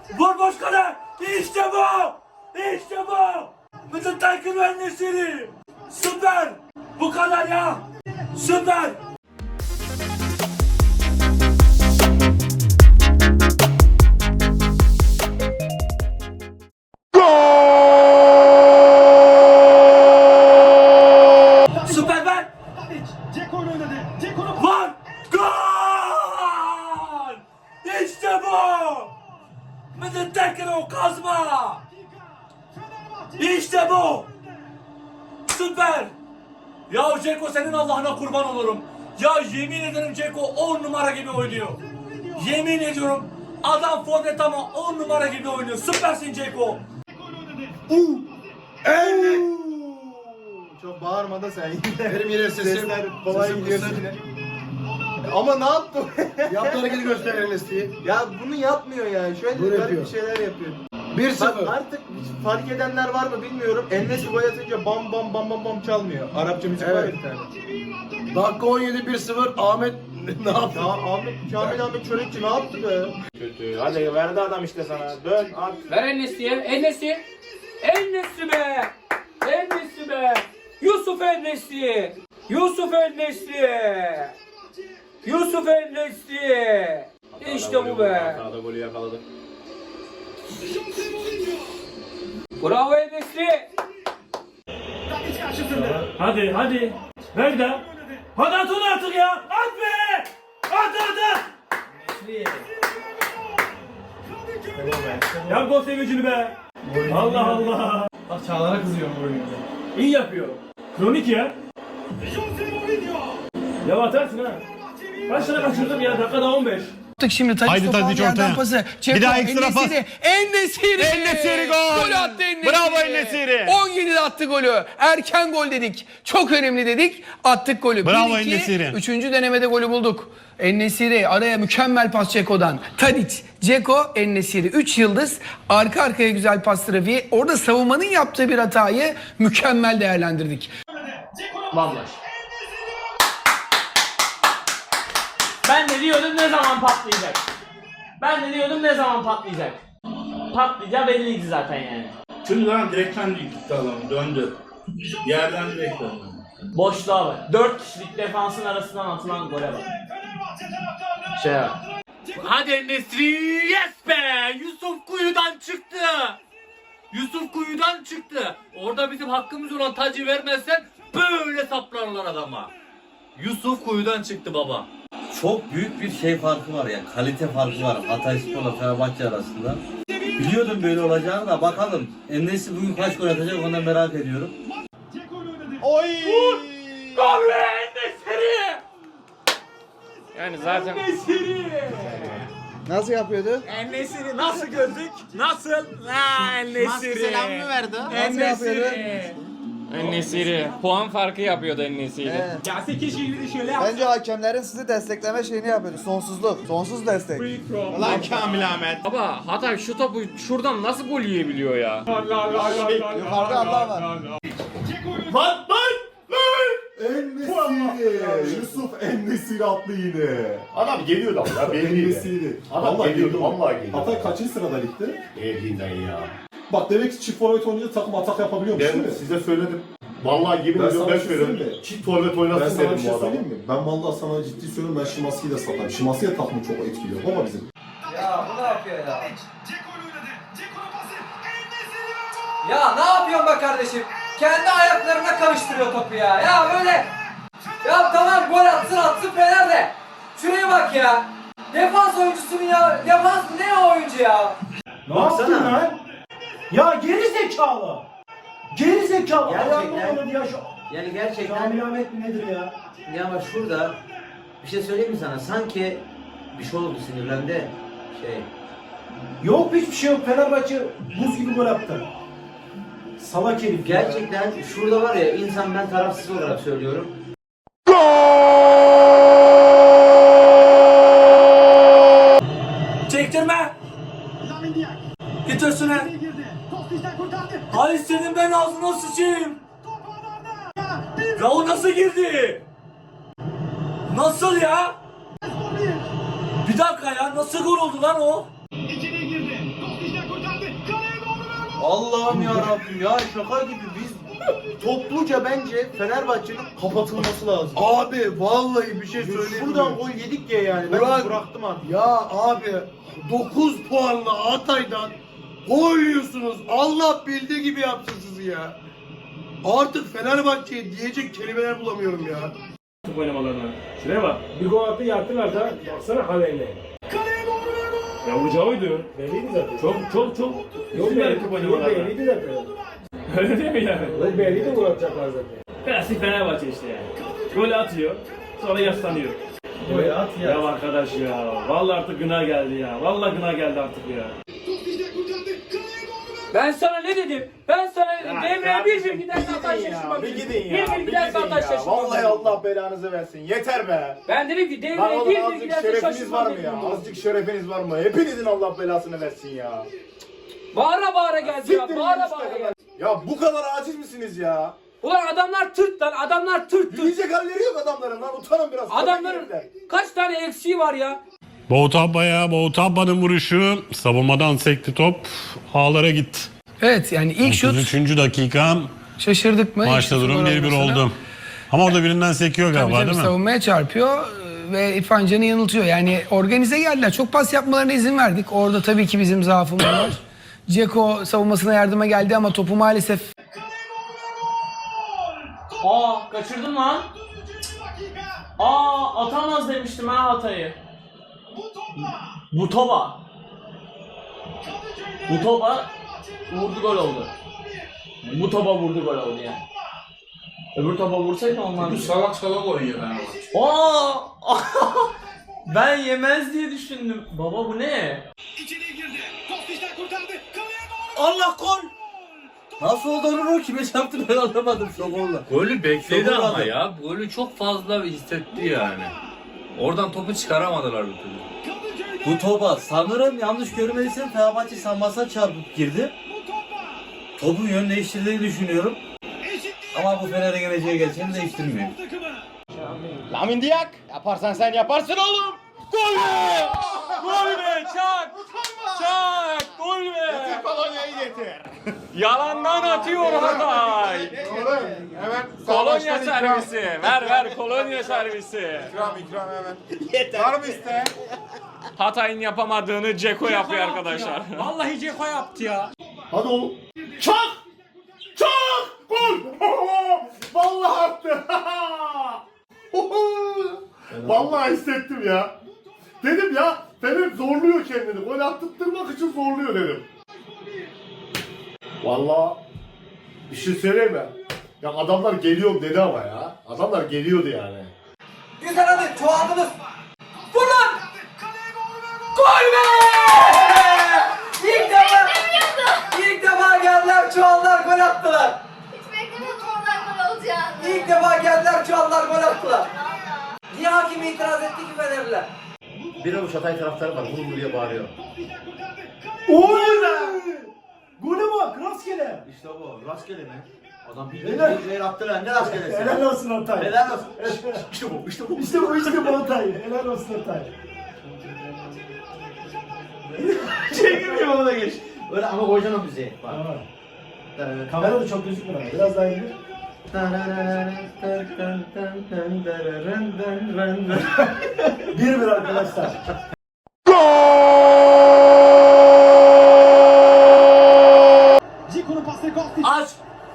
Vur boş kale. İşte bu. İşte bu. Mıdır Taykın Enesiri. Süper. Bu kadar ya. Süper. Süper ben. Var. Gol. İşte bu. Mıdır Taykın o kazma. İşte bu. Süper. Ya Ceko senin Allah'ına kurban olurum. Ya yemin ederim Ceko 10 numara gibi oynuyor. Yemin ediyorum adam forvet ama 10 numara gibi oynuyor. Süpersin Ceko. Çok bağırma da sen yine. Benim yine sesim Kolay gidiyorsun yine. Ama ne yaptı? Yaptığı hareketi göster Enes'i. Ya bunu yapmıyor ya. Şöyle Bunu garip yapıyor. bir şeyler yapıyor. 1-0. Bak artık hiç fark edenler var mı bilmiyorum. Enes gol atınca bam bam bam bam bam çalmıyor. Arapça müzik var ya Evet. bir tane. Dakika 17 1-0. Ahmet ne yaptı? Ya Kamil Ahmet Çörekçi ne yaptı be? Kötü. Hadi verdi adam işte sana. Dön at. Ver Enes'iye. Enes'i. Enes'i be. Enes'i be. Yusuf Enes'i. Yusuf Enes'i. Yusuf Enes'i. İşte bu be. Sağda golü yakaladı. Bravo Enes'i. Hadi hadi. Ver de. Hadi at onu artık ya. At be. At. Yap gol sevincini be. Allah Allah. Bak Çağlar'a kızıyorum bu oyunda. İyi yapıyor. Kronik ya. Ya atarsın ha. Kaç tane kaçırdım ya? Dakikada 15. Şimdi Haydi Tadiç ortaya. pası. Bir daha ekstra pas. En-Nesyri. En-Nesyri gol. Gol attı En-Nesyri. Bravo En-Nesyri. 17'de attı golü. Erken gol dedik. Çok önemli dedik. Attık golü. Bravo 1-2, En-Nesyri. 3. denemede golü bulduk. En-Nesyri araya mükemmel pas Ceko'dan. Tadiç, Ceko, En-Nesyri. 3 yıldız. Arka arkaya güzel pas trafiği. Orada savunmanın yaptığı bir hatayı mükemmel değerlendirdik. Vallahi. Ben de diyordum ne zaman patlayacak. Ben de diyordum ne zaman patlayacak. Patlayacağı belliydi zaten yani. Şimdi lan direkten gitti adam döndü. Yerden direkt döndü. Boşluğa bak. 4 kişilik defansın arasından atılan gole bak. Şey bak. Hadi Nesri, yes be! Yusuf kuyudan çıktı. Yusuf kuyudan çıktı. Orada bizim hakkımız olan tacı vermezsen böyle saplarlar adama. Yusuf kuyudan çıktı baba. Çok büyük bir şey farkı var yani kalite farkı var Hatayspor'la Fenerbahçe arasında. Biliyordum böyle olacağını da bakalım. En-Nesyri bugün kaç gol atacak onu da merak ediyorum. Oy! Gol be Nesri! Yani zaten Nasıl yapıyordu? En-Nesyri nasıl gördük? Nasıl? En-Nesyri. Selam mı verdi? Nasıl yapıyordu? En-Nesyri. En-Nesyri puan farkı yapıyordu En-Nesyri. Ya 8 şehirli şöyle yap. Bence hakemlerin sizi destekleme şeyini yapıyordu. Sonsuzluk. Sonsuz destek. Lan Kamil Ahmet. Baba Hatay şu topu şuradan nasıl gol yiyebiliyor ya? Yukarıda Allah var. Lan. En-Nesyri. Yusuf En-Nesyri attı yine. Adam geliyordu ama ya belli. En-Nesyri. Adam geliyordu vallahi geliyordu. Hatay kaçıncı sırada ligde? Elinden ya. Bak demek ki çift forvet oynayınca takım atak yapabiliyormuş değil mi? Ben size söyledim. Vallahi yemin Ben ediyorum sana ben bir şey söyleyeyim söyledim. mi? Çift forvet Ben oynasın sana bir dedim şey bu adamı. söyleyeyim mi? Ben vallahi sana ciddi söylüyorum, ben Şimanski'yi de satarım. Şimanski'ye takımı çok etkiliyor baba bizim. Ya bu ne yapıyor ya? Ya ne yapıyorsun be kardeşim? Kendi ayaklarına karıştırıyor topu ya. Ya böyle. Ya tamam gol atsın Fener de. Şuraya bak ya. Defans oyuncusunun ya. Defans ne o oyuncu ya? Ne yaptın lan? Ya geri zekalı. Geri zekalı. Gerçekten. Ya şu Yani gerçekten Kamil Ahmet mi nedir ya? ya bak şurada bir şey söyleyeyim mi sana sanki bir şey oldu sinirlendi şey. Yok hiçbir şey yok. Fenerbahçe buz gibi gol attı. Salak herif ya. Gerçekten şurada var ya insan ben tarafsız olarak söylüyorum. Çektirme. Git üstüne. Ay senin ben ağzına sıçayım. Ya o nasıl girdi? Nasıl ya? Bir dakika ya nasıl gol oldu lan o? Allah'ım ya Rabbim ya şaka gibi biz topluca bence Fenerbahçe'nin kapatılması lazım. Abi vallahi bir şey söyleyeyim. Şuradan gol yedik ya yani. Ben Ulan- bıraktım artık. Ya abi 9 puanla Hatay'dan gol yiyorsunuz. Allah bildiği gibi yapsın sizi ya. Artık Fenerbahçe'ye diyecek kelimeler bulamıyorum ya. Oynamalarına. Şuraya bak. Bir gol attı yattılar da. Baksana haline. Ya vuracağı oydu. Belliydi zaten. Çok. Yok belli oynamalarına. Belliydi zaten. Öyle değil mi yani? Belliydi gol atacaklar zaten. Klasik Fenerbahçe işte yani. Gol atıyor. Sonra yaslanıyor. Gol at ya. Ya arkadaş ya. Vallahi artık gına geldi ya. Vallahi gına geldi artık ya. Ben sana ne dedim? Ben sana dedim. Devreye bir giderse hata şaşırma. Bir gidin ya. Bir giderse hata şaşırma. Vallahi Allah belanızı versin. Yeter be. Ben dedim ki Lan devreye oğlum bir azıcık giderse şerefiniz şaşırma var mı ya? dedim. Azıcık şerefiniz var mı? Hepinizin Allah belasını versin ya. Bağıra bağıra geldi ya. Siktirin Bağıra işte bağıra kadar. geldi. Ya bu kadar aciz misiniz ya? Ulan adamlar tırt lan. Adamlar tırt. Yiyecek halleri yok adamların lan. Utanın biraz. Adamların kaç tane eksiği var ya? Boğutabba'nın vuruşu savunmadan sekti top. Ağlara gitti. Evet yani ilk şut 33. dakika şaşırdık mı? İlk maçta şutun durum gol 1-1 olmasına. oldu. Ama orada birinden sekiyor Tabii galiba tabii değil mi? savunmaya çarpıyor ve İrfan Can'ı yanıltıyor. Yani organize geldiler. Çok pas yapmalarına izin verdik. Orada tabii ki bizim zaafımız var. Dzeko savunmasına yardıma geldi ama topu maalesef Kaçırdın lan. Atamaz demiştim ha Hatay'ı. Bu topa vurdu gol oldu. Bu topa vurdu gol oldu yani. Öbür topa vursaydı olmazdı. Bu salak oynuyor Fenerbahçe. Ben yemez diye düşündüm. Baba bu ne? Allah gol! Nasıl oldu onu kime çarptı ben anlamadım şu golla. Golü bekledi Çok ama olmadı. ya. Golü çok fazla hissetti yani. Oradan topu çıkaramadılar bir türlü. Bu topa sanırım yanlış görmediysem Fenerbahçe sanmasına çarpıp girdi. Topun yön değiştirdiğini düşünüyorum. Ama bu Fener'e geleceği gerçeğini değiştirmiyor. Lamin Diak yaparsan sen yaparsın oğlum. Gol be! Gol be! Çak! Çak! Gol be! Kolonyayı getir. Yalandan atıyor Hatay. Hemen Kolonya servisi. Ver kolonya servisi. İkram hemen. Yeter. Var mı iste? Hatay'ın yapamadığını Dzeko yapıyor arkadaşlar. Vallahi Dzeko yaptı ya. Hadi oğlum. Çak! Çak! Gol! Vallahi attı. Vallahi hissettim ya. Dedim ya Fener zorluyor kendini. Gol attırtmak için zorluyor dedim. Vallahi bir şey söyleyeyim mi? Ya adamlar geliyor dedi ama ya. Adamlar geliyordu yani. Güzel hadi çoğaldınız. Vur lan! Gol be! İlk defa geldiler çoğallar gol attılar. Hiç beklemiyordum oradan gol olacağını. İlk defa geldiler çoğallar gol attılar. Niye hakim itiraz etti ki Fenerliler? Bir avuç Hatay taraftarı var. Vur diye bağırıyor. Oy! Gole bak rastgele. İşte bu. Rastgele mi? Adam Helal. bir attı lan. Ne rastgelesi? Helal olsun Hatay. Helal olsun. İşte bu. İşte bu. İşte bu Hatay. Helal olsun Hatay. Çekilmiyor ona da geç. Öyle ama koyacaksın o müziği. Bak. Kamera da çok gözükmüyor ama biraz daha indir. 1-1 arkadaşlar. Aç!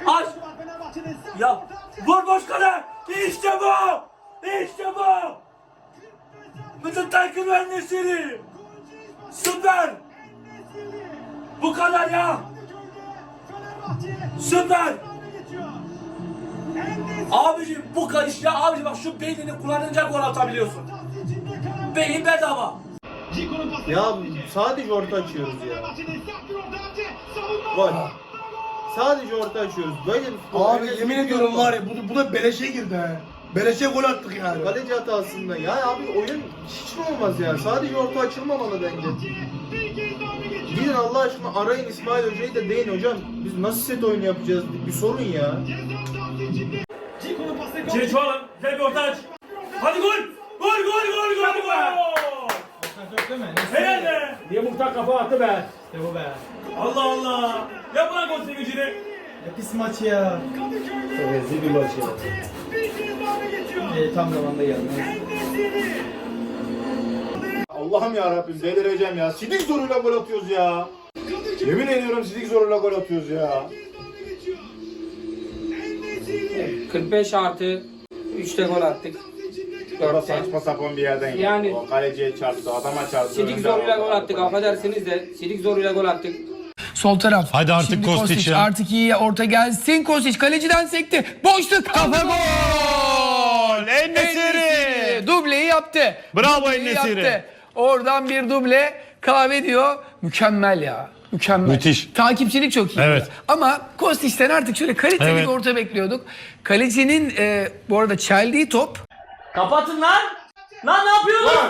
Ya vur boş kale! İşte bu! İşte bu! Bütün takım mühendisleri! Süper! Bu kadar ya! Süper! Abicim bu karış ya abicim bak şu beynini kullanınca gol atabiliyorsun. Beyin bedava. Ya sadece orta açıyoruz ya. Gol. Sadece orta açıyoruz. Böyle bir Abi yemin ediyorum var ya bu da beleşe girdi ha. Beleşe gol attık yani. kaleci hatasında. Ya abi oyun hiç mi olmaz ya? Sadece orta açılmamalı bence. Gidin Allah aşkına arayın İsmail Hoca'yı da deyin hocam. Biz nasıl set oyunu yapacağız? Bir sorun ya. İçeri çoğalın. Güzel bir orta aç. Hadi gol. Gol. Helal be. Niye Muhtar kafa attı be? İşte bu be. Allah Allah. Ya bırak o sevincini. Ne pis maç ya. Rezil bir maç ya. Tam zamanda geldi. Allah'ım ya Rabbim delireceğim ya. Sidik zoruyla gol atıyoruz ya. Yemin ediyorum sidik zoruyla gol atıyoruz ya. 45 artı 3'te gol attık. O da saçma sapan bir yerden Yani- geldi. O kaleciye çarptı, adama çarptı. Sidik önde zoruyla aldı. gol attık. Affedersiniz de Sidik zoruyla gol attık. Sol taraf. Hadi artık Şimdi Kostić ya. Artık iyiye orta gelsin. Kostić kaleciden sekti. Boşluk. Kafa gol. En-Nesyri. Dubleyi yaptı. Bravo Dubleyi En-Nesyri. yaptı. Oradan bir duble kahve diyor. Mükemmel ya. Mükemmel. Müthiş. Takipçilik çok iyi. Evet. Ama Kostić'ten artık şöyle kaliteli Evet. bir orta bekliyorduk. Kalecinin bu arada çeldiği top. Kapatın lan. Lan ne yapıyorsun?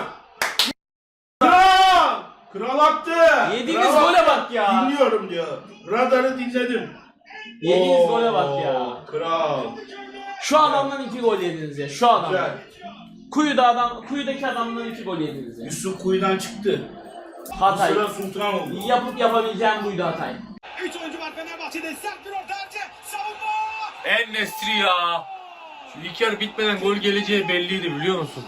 Kral attı. Yediğiniz gole bak ya. Dinliyorum diyor. Radarı dinledim. Yediğiniz gole bak ya. Kral. Şu adamdan 2 gol yediniz ya. Şu adamdan. Kuyudaki adamdan 2 gol yediniz ya. Yusuf kuyudan çıktı. Hatay. Sıra sultan oldu. Yapıp yapabileceğim buydu Hatay. 3 oyuncu var Fenerbahçe'de. Sert bir orta savunma. En-Nesyri ya. Şu ilk yarı bitmeden gol geleceği belliydi biliyor musun?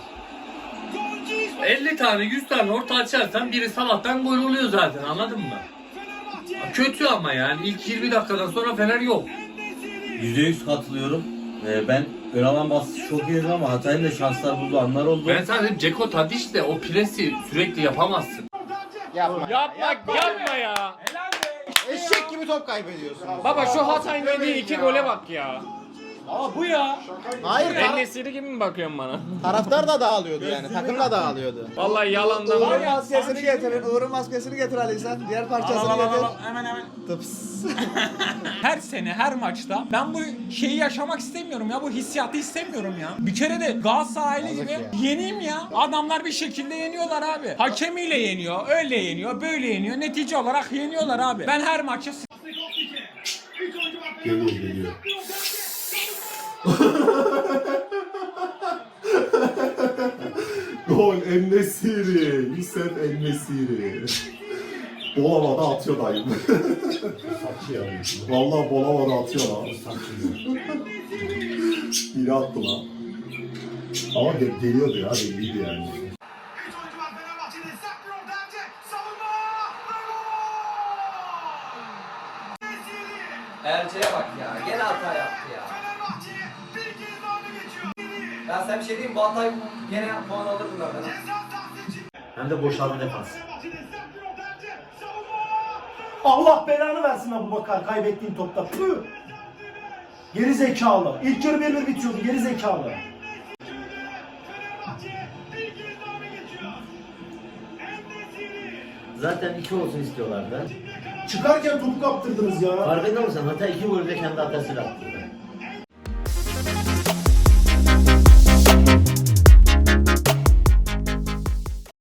50 tane 100 tane orta açarsan biri Salah'tan gol oluyor zaten, anladın mı? Kötü ama yani ilk 20 dakikadan sonra Fener yok. %100 katılıyorum. Ben ön alan baskısı çok iyiydi ama Hatay'ın da şanslar bulduğu anlar oldu. Ben sadece Dzeko, Tadić de o presi sürekli yapamazsın. Yapma ya. Eşek gibi top kaybediyorsun. Baba şu Hatay'ın yediği 2 gole bak ya. Aa bu ya. Hayır, En-Nesyri gibi mi bakıyorsun bana? taraftar da dağılıyordu yani. Takım da dağılıyordu. Vallahi yalandan var ya. Maskesini getirin. Uğur'un maskesini getir Ali sen. Diğer parçasını getir. Hemen. Tıps. Her sene her maçta ben bu şeyi yaşamak istemiyorum ya, bu hissiyatı istemiyorum ya. Bir kere de Galatasaraylı gibi ya. yeneyim ya. Adamlar bir şekilde yeniyorlar abi. Hakemiyle yeniyor, öyle yeniyor, böyle yeniyor. Netice olarak yeniyorlar abi. Ben her maçı Geliyor. Gol En-Nesyri. Yusuf En-Nesyri. Bol havada atıyor dayım. Vallahi bol havada atıyor lan. İyi attı lan. Ama geliyordu ya, belliydi yani. Erce'ye bak ya. Gene hata yaptı ya. Ya sen bir şey diyeyim mi? Bu Hatay gene puan alır bunlardan. Hem de boşalma defans. Allah belanı versin Abubakar kaybettiğin topta. Püh! Geri zekalı. İlk yarı 1-1 bitiyordu. Geri zekalı. Zaten 2 olsun istiyorlardı. Çıkarken topu kaptırdınız ya. Farkında mısın? Hatay 2 golü de kendi hatasıyla attı.